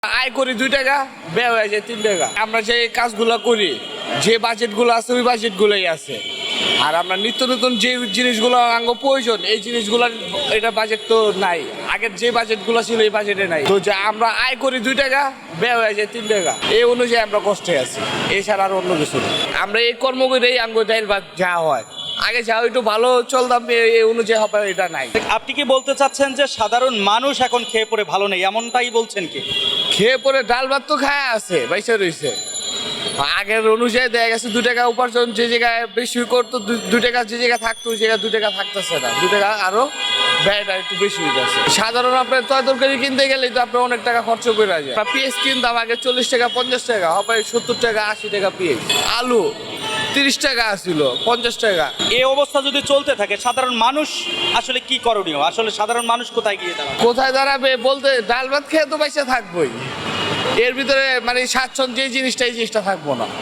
আয় করি 2 টাকা, ব্যয় হয়ে যায় 3 টাকা। আমরা যে কাজগুলো করি, যে বাজেটগুলো আছে ওই বাজেটগুলোই আছে। আর আমরা নিত্য নতুন যে জিনিসগুলো আঙ্গ প্রয়োজন এই জিনিসগুলোর এটা বাজেট তো নাই। আগের যে বাজেটগুলো ছিল এই বাজেটে নাই। তো যে আমরা আয় করি 2 টাকা, ব্যয় হয়ে যায় 3 টাকা। এই অনুযায়ী আমরা কষ্টে আছি, এছাড়া আর অন্য কিছু না। আমরা এই কর্ম করেই আঙ্গ ডাইল ভাত যা হয়, আগে যা একটু ভালো চলতাম এই অনুযায়ী হবে এটা নাই। আপনি কি বলতে চাচ্ছেন যে সাধারণ মানুষ এখন খেয়ে পড়ে ভালো নেই, এমনটাই বলছেন কি? খেয়ে পরে ডাল ভাত তো খায় আছে, বাইসা রয়েছে। আগের অনুযায়ী দেখা গেছে 2 টাকা উপার্জন যে জায়গায় বেশি করতো, 2 টাকা যে জায়গায় থাকতো ওই জায়গায় 2 টাকা থাকতেছে না। 2 টাকা আরো ব্যয়টা একটু বেশি হয়ে যাচ্ছে। সাধারণ আপনার তরকারি কিনতে গেলেই তো আপনার অনেক টাকা খরচ করে যায়। পেঁয়াজ কিনতাম আগে 40 টাকা 50 টাকা, হবে 70 টাকা 80 টাকা পেঁয়াজ। আলু 30 টাকা আসছিল, 50 টাকা। এই অবস্থা যদি চলতে থাকে সাধারণ মানুষ আসলে কি করণীয়? আসলে সাধারণ মানুষ কোথায় গিয়ে দাঁড়াবে? কোথায় দাঁড়াবে বলতে, ডাল ভাত খেয়ে তো পয়সা থাকবোই। এর ভিতরে মানে স্বাচ্ছন্দ্য যে জিনিসটা এই জিনিসটা থাকবো না।